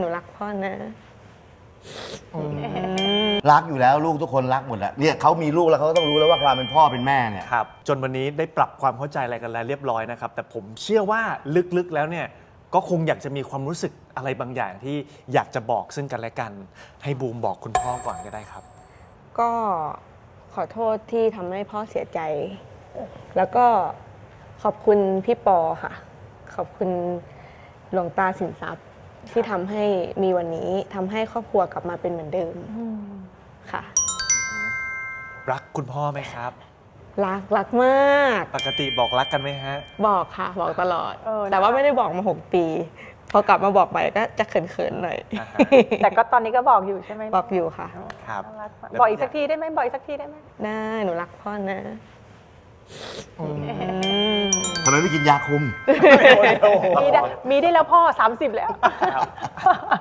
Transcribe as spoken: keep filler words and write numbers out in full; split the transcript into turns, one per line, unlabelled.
หนูรักพ่อนะ
รักอยู่แล้วลูกทุกคนรักหมดแหละเนี่ยเขามีลูกแล้วเขาก็ต้องรู้แล้วว่าความเป็นพ่อเป็นแม่เนี่ย
ครับจนวันนี้ได้ปรับความเข้าใจอะไรกันแล้วเรียบร้อยนะครับ แต่ผมเชื่อว่าลึกๆแล้วเนี่ยก็คงอยากจะมีความรู้สึกอะไรบางอย่างที่อยากจะบอกซึ่งกันและกัน ให้บูมบอกคุณพ่อก่อนก็ได้ครับ
ก็ขอโทษที่ทำให้พ่อเสียใจ แล้วก็ขอบคุณพี่ปอค่ะ ขอบคุณหลวงตาสินทรัพย์ที่ทำให้มีวันนี้ทำให้ครอบครัวกลับมาเป็นเหมือนเดิมค่ะ
รักคุณพ่อไหมครับ
รักรักมาก
ปกติบอกรักกันไหมฮะ
บอกค่ะ บอกตลอด
เออนะ
แต่ว่าไม่ได้บอกมาหกปี พอกลับมาบอกไปก็จะเขินๆหน่อย
อ่าฮะ
แต่ก็ตอนนี้ก็บอกอยู่ใช่ไหม
บอกอยู่ค่ะ
ครับ
น่ารักมากบอกอีกสักทีได้ไหมบอกอีกสักทีได้ไหม
ได้หนูรักพ่อนะ
ทำไมไม่กินยาคุม
มีได้มีได้แล้วพ่อสามสิบแล้ว